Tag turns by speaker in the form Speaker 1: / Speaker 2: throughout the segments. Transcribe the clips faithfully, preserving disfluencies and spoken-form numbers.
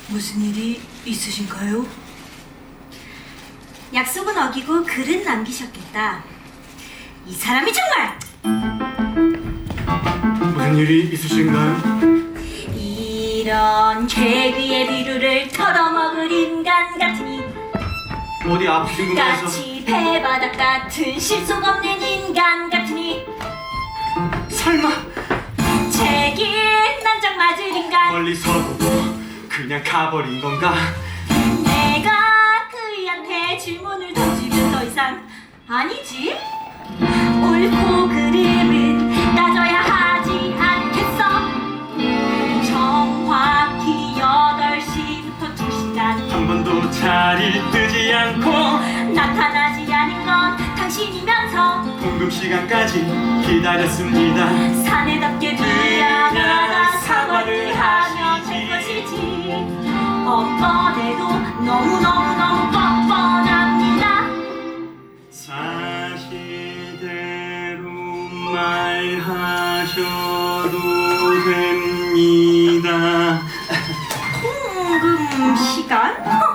Speaker 1: 무슨 일이 있으신가요?
Speaker 2: 약속은 어기고 글은 남기셨겠다. 이 사람이 정말
Speaker 3: 무슨 일이 있으신가요?
Speaker 2: 이런 개귀의 비루를 털어먹을 인간 같으니
Speaker 3: 어디 아프신 건가 해서.
Speaker 2: 까치 배바닥 같은 실속 없는 인간 같으니
Speaker 3: 설마
Speaker 2: 책임 난장 맞을 인간.
Speaker 3: 멀리서 보고 그냥 가버린 건가?
Speaker 2: 내가 그이한테 질문을 던지면 더 이상 아니지? 옳고 그름은 따져야 하지 않겠어? 정확히 여덟 시부터 두 시간
Speaker 3: 한 번도 자리를 뜨지 않고
Speaker 2: 나타나지 않은 건 당신이면서
Speaker 3: 공급 시간까지 기다렸습니다.
Speaker 2: 사내답게 미안하다 사과를 하면 될 것이지. 뻔뻔해도 너무너무너무 뻔뻔합니다.
Speaker 3: 사실대로 말하셔도 됩니다.
Speaker 2: 통금 시간?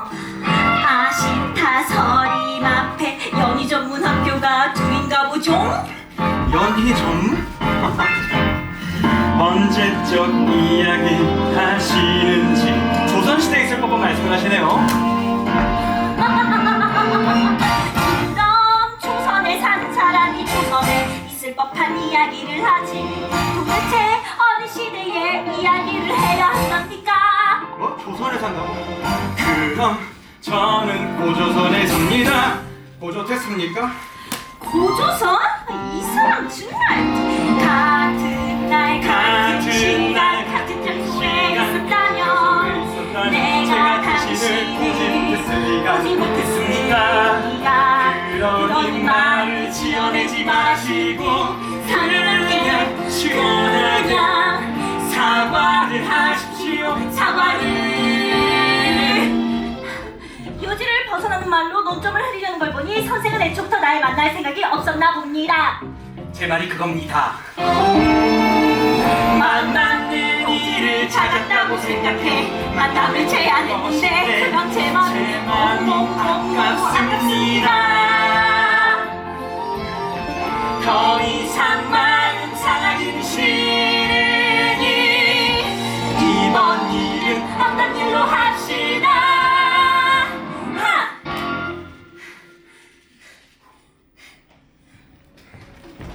Speaker 2: 아시타 서림 앞에 연희 전문 학교가 둘인가 보죠?
Speaker 3: 연희 전문? 언제적 이야기 하시는지 조선시대에 있을 법한 말씀을 하시네요.
Speaker 2: 그럼 조선에 사는 사람이 조선에 있을 법한 이야기를 하지. 도대체 어느 시대의 이야기를 해야 합니까?
Speaker 3: 뭐? 조선에 산다고? 그럼 저는 고조선에 삽니다. 고조 됐습니까?
Speaker 2: 고조선? 이 사람 정말 같은 날 같은 시간 같은 장소에 있었다면 내가 당신을
Speaker 3: 보지 못했으리까
Speaker 2: 보지
Speaker 3: 못했습니까?
Speaker 2: 못했으리까.
Speaker 3: 그러니 말을 지어내지 마시고
Speaker 2: 사랑하게
Speaker 3: 시원하게
Speaker 2: 그냥
Speaker 3: 사과를 하십시오.
Speaker 2: 사과를. 요지를 벗어나는 말로 논점을 흐리려는 걸 보니 선생은 애초부터 날 만날 생각이 없었나 봅니다.
Speaker 3: 제 말이 그겁니다. 만나는 일을
Speaker 2: 찾았다고 생각해 만남을 제안했는데 그런 제 마음이 너무너무
Speaker 3: 아깝습니다.
Speaker 2: 아깝습니다.
Speaker 3: 더 이상